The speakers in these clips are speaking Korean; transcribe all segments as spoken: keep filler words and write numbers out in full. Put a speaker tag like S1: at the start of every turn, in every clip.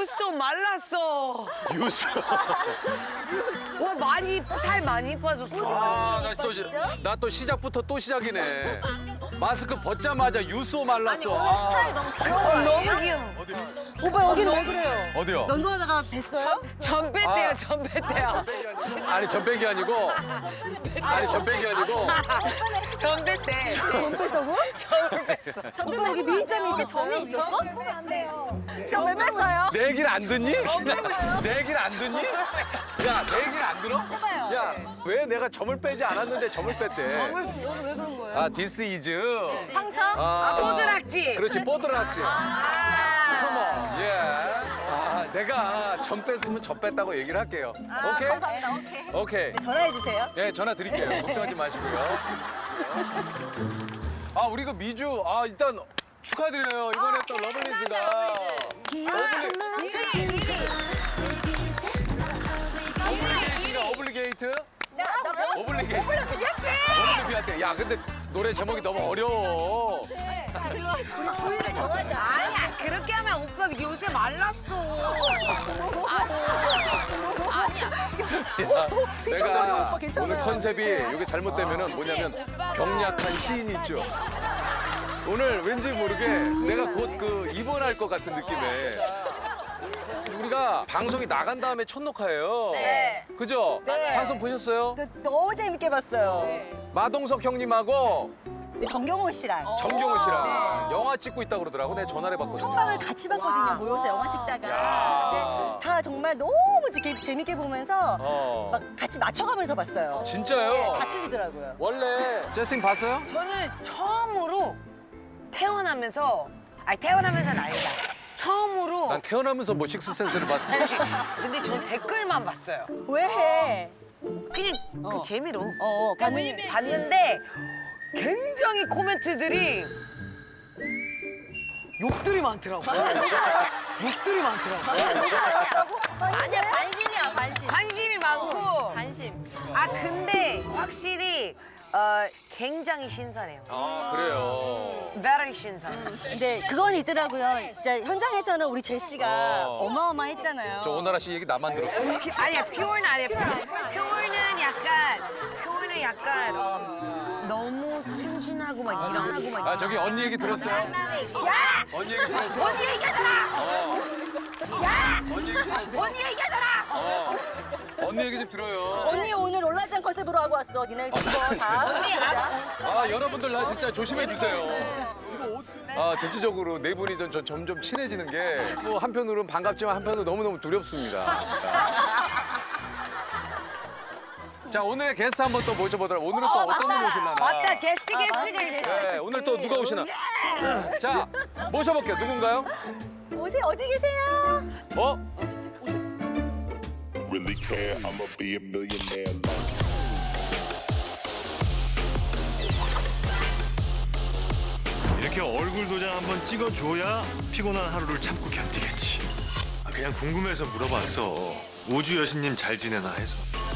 S1: 유소 말랐어.
S2: 유수.
S1: 와 많이 살 많이 빠졌어.
S2: 아, 나 또 나 또 시작부터 또 시작이네. 마스크 벗자마자 유수 말랐어.
S3: 오늘 스타일 너무 귀여워.
S1: 어, 너무 귀여워.
S2: 어디?
S3: 오빠 여기는 왜 그래요?
S2: 어디요?
S3: 면도하다가 뵀어요?
S1: 전배때야
S2: 아.
S1: 전배때야.
S2: 아니 전백이 아니고. 아니 전백이 아니고.
S1: 전배때.
S3: 전배다고?
S1: 점을 뺐어.
S3: 오빠 여기 미인점이 있어. 점이 있었어? 점을 뺐어요?
S2: 내 얘기를 안 듣니? 내 얘기를 안 듣니? 야, 내 얘기를 안 들어?
S3: 해봐요.
S2: 야, 왜 내가 점을 빼지 않았는데 점을 뺐대?
S3: 점을 오늘 왜 그런 거예요?
S2: 아, 디스 이즈.
S3: 상처?
S1: 아 뽀드락지.
S2: 그렇지, 뽀드락지.
S1: 아.
S2: 컴온, 예. 아, 내가 점 뺐으면 점 뺐다고 얘기를 할게요. 오케이?
S3: 감사합니다. 오케이.
S2: 오케이.
S3: 전화해 주세요.
S2: 네, 전화 드릴게요. 걱정하지 마시고요. 아, 우리 그 미주, 아, 일단 축하드려요. 이번에 또 러블리즈가. 어블리게이트가 어블리게이트? 어블리게이트. 어블리비아테. 야, 근데 노래 제목이 너무 어려워.
S3: 부위를 정하자.
S1: 아니야 그렇게 하면 오빠 요새 말랐어.
S3: 아니야.
S2: 야, 내가
S3: 오빠 괜찮아요.
S2: 오늘 컨셉이 이게 잘못되면은 뭐냐면 병약한 시인이죠. 오늘 왠지 모르게 내가 곧 그 입원할 것 같은 느낌에. 우리가 방송이 나간 다음에 첫 녹화예요.
S3: 네.
S2: 그죠?
S3: 네.
S2: 방송 보셨어요?
S3: 너무 재밌게 봤어요.
S2: 마동석 형님하고
S3: 정경호 씨랑
S2: 정경호 씨랑
S3: 네.
S2: 영화 찍고 있다고 그러더라고. 내가 전화를 해봤거든요.
S3: 천방을 같이 봤거든요. 모여서 영화 찍다가.
S2: 야.
S3: 근데 다 정말 너무 재밌게, 재밌게 보면서
S2: 어.
S3: 막 같이 맞춰가면서 봤어요.
S2: 진짜요?
S3: 네, 다 틀리더라고요.
S2: 원래 제스팅 봤어요?
S1: 저는 처음으로 태어나면서 아니 태어나면서는 아니다. 처음으로
S2: 난 태어나면서 뭐 식스센스를 봤어.
S1: 근데 전 댓글만 봤어요.
S3: 왜 해?
S1: 그냥 그
S3: 어.
S1: 재미로
S3: 어, 어,
S1: 봤는데, 봤는데 굉장히 코멘트들이 욕들이 많더라고. 욕들이 많더라고.
S3: 아니야, 관심이야, 관심.
S1: 관심이 많고.
S3: 관심.
S1: 아 근데 확실히 어, 굉장히 신선해요.
S2: 아, 그래요.
S1: Very 신선.
S3: 근데 그건 있더라고요. 진짜 현장에서는 우리 제시가
S2: 어.
S3: 어마어마했잖아요.
S2: 저 오나라 씨 얘기 나만 들었고.
S1: 아니야, 퓨어는 아니야. 퓨어는 약간, 퓨어는 약간 어, 너무 순진하고 막 이런 하고 막.
S2: 아, 저기 언니 얘기 들었어요?
S1: 야!
S2: 언니 얘기 들었어?
S1: 언니 얘기하잖아!
S2: 어.
S1: 야!
S2: 언니 얘기 들었어?
S1: 언니 얘기하잖아!
S2: 어. 언니 얘기 좀 들어요.
S3: 언니 오늘 롤라장 컨셉으로 하고 왔어. 니네 그거 다. 진짜.
S2: 아, 여러분들 나 진짜 조심해 주세요. 아, 전체적으로 네 분이 전, 전 점점 친해지는 게 뭐 한편으로는 반갑지만 한편으로 너무너무 두렵습니다. 자, 오늘의 게스트 한번 또 모셔보도록. 오늘은 또 어떤 분 오실라나.
S1: 맞다, 게스트 게스트가 있어.
S2: 네, 오늘 또 누가 오시나. 자, 모셔볼게요. 누군가요?
S3: 오세요. 어디 계세요?
S2: 어?
S4: Really care, I'ma be a millionaire.
S5: 이렇게 얼굴 도장 한번 찍어줘야 피곤한 하루를 참고 견디겠지. 아, 그냥 궁금해서 물어봤어. 우주 여신님 잘 지내나 해서.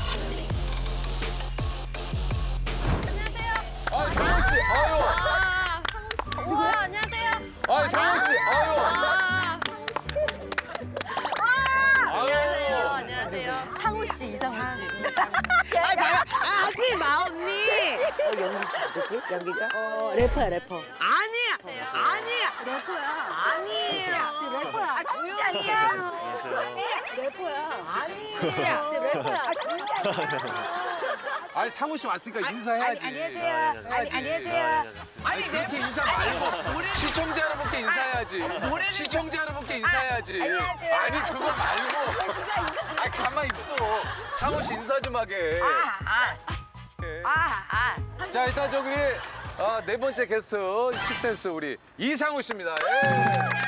S2: 아, 장원 씨. 아유.
S3: 누구야? 안녕하세요.
S2: 아, 장원 씨. 아유.
S3: 안녕하세요. 안녕하세요. 상우 씨, 이상우 씨.
S1: 아, 하지 마, 언니!
S3: 누구지? 연기자? 어, 래퍼야, 래퍼.
S1: 아니야! 아니야!
S3: 래퍼야.
S1: 아니에요!
S3: 래퍼야.
S1: 아, 정씨 아니야!
S3: 래퍼야.
S1: 아니야!
S3: 래퍼야. 아, 정씨 아니야.
S2: 아니, 상우 씨 왔으니까 인사해야지.
S1: 안녕하세요. 아니, 안녕하세요. 아니,
S2: 그렇게
S1: 내-
S2: 인사
S1: 아니,
S2: 말고
S1: 노래-
S2: 시청자 여러분께 인사해야지.
S1: 노래를
S2: 시청자 여러분께 인사해야지.
S1: 안녕하세요.
S2: 아니, 그거 말고. 아, 가만 있어. 상우 씨 인사 좀 하게.
S1: 아, 아, 아.
S2: 자, 일단 저기 어, 네 번째 게스트 식센스 우리 이상우 씨입니다. 예.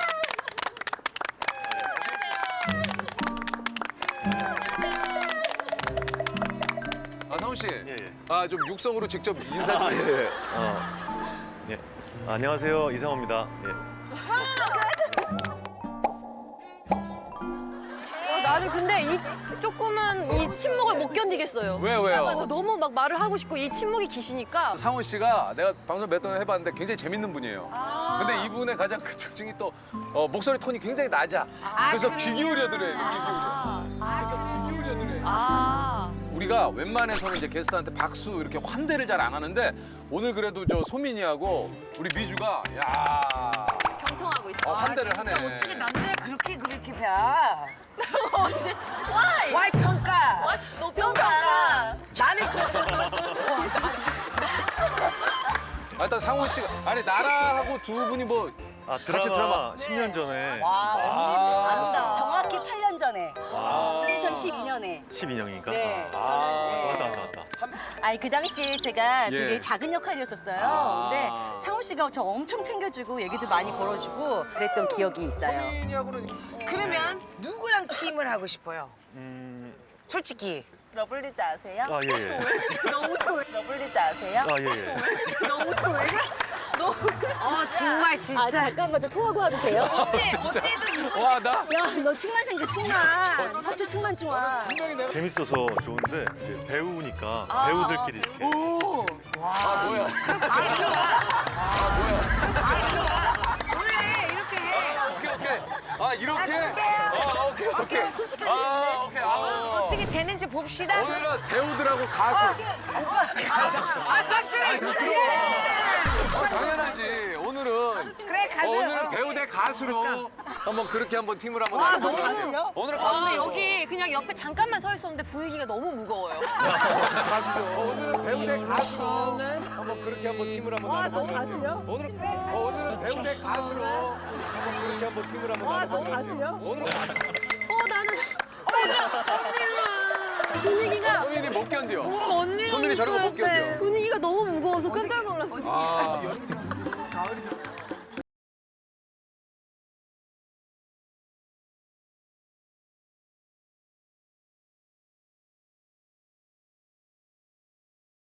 S2: 아, 상우 씨.
S5: 예, 예.
S2: 아, 좀 육성으로 직접 인사 좀 해주세요.
S5: 어. 예. 안녕하세요, 이상호입니다. 예.
S3: 어, 나는 그 근데 이 조그만 이 침묵을 못 견디겠어요.
S2: 왜요, 왜요?
S3: 어, 너무 막 말을 하고 싶고 이 침묵이 기시니까.
S2: 상훈 씨가 내가 방송 몇 번 해봤는데 굉장히 재밌는 분이에요. 근데 이분의 가장 큰 특징이 또 어, 목소리 톤이 굉장히 낮아. 그래서 귀 기울여 들어요. 귀 기울여. 그래서 귀 기울여 들어요.
S3: 아.
S2: 우리가 웬만해서는 이제 게스트한테 박수 이렇게 환대를 잘 안 하는데 오늘 그래도 저 소민이하고 우리 미주가 야
S3: 경청하고 있어.
S2: 어, 환대를 하네.
S1: 진짜 어떻게 남들 그렇게 그렇게 봐?
S3: 언제? 와이.
S1: 와이 평가.
S3: 너 평가.
S1: 나는 그
S2: 아, 일단 상훈 씨가 아니 나라하고 두 분이 뭐
S5: 아
S2: 같이 드라마.
S5: 십 년 전에
S2: 아,
S6: 정확히 팔 년 전에 이천십이 년에
S5: 십이 년이니까.
S6: 네
S5: 아,
S6: 저는
S5: 맞다
S6: 네.
S5: 맞다 맞다.
S6: 아니 그 당시에 제가
S2: 예.
S6: 되게 작은 역할이었었어요.
S2: 아.
S6: 근데 상훈 씨가 저 엄청 챙겨주고 얘기도 많이 걸어주고 그랬던 기억이 있어요.
S2: 소민이하고는
S1: 그러면 누구랑 팀을 하고 싶어요?
S5: 음,
S1: 솔직히.
S3: 러블리즈 아세요?
S5: 아 예. 예.
S3: 너무 러블리즈 아세요?
S5: 아 예. 예.
S3: 너무 왜 그래? 너무.
S1: 어 정말
S6: 아
S1: 진짜.
S6: 잠깐만 저 토하고 와도 돼요?
S3: 언니 언니도 이거
S2: 와 나
S6: 야 너 층만 생겨 층만 척추 층만 층만.
S2: 분명히 내가
S5: 재밌어서 좋은데 이제 배우니까 배우들끼리 이렇게.
S6: 오.
S2: 아 뭐야
S1: 오늘 이렇게 해.
S2: 오케이 오케이 아 이렇게 아 오케이 오케이
S6: 소식하게
S2: 아 오케이 아
S1: 어떻게 되는지 봅시다.
S2: 오늘은 배우들하고 가수
S1: 아 싹쓸이.
S2: 어, 당연하지 오늘은
S1: 그래
S2: 어,
S1: 가수.
S2: 오늘은 배우 대 가수로 한번 그렇게 한번 팀을 한번 해보도록 하죠. 오늘은
S3: 아, 근데
S2: 가수죠.
S3: 여기 그냥 옆에 잠깐만 서 있었는데 분위기가 너무 무거워요.
S2: 가수죠. 오늘은 배우 대 가수로 한번 그렇게 한번 팀을 한번
S3: 와,
S2: 나눠보도록
S3: 너무
S2: 하죠.
S3: 가수요?
S2: 오늘 어, 오늘은 배우 대 가수로 한번 그렇게 한번 팀을 한번
S3: 와,
S2: 나눠보도록
S3: 너무
S2: 하죠.
S3: 가수요?
S2: 오늘은
S3: 어 나는 언니 분위기가
S2: 소민이 못 견뎌.
S1: 언니.
S2: 소민이 저런 거 못 견뎌.
S3: 분위기가 너무 무거워서 깜짝 놀랐어.
S2: 아, 여름이 가을이죠.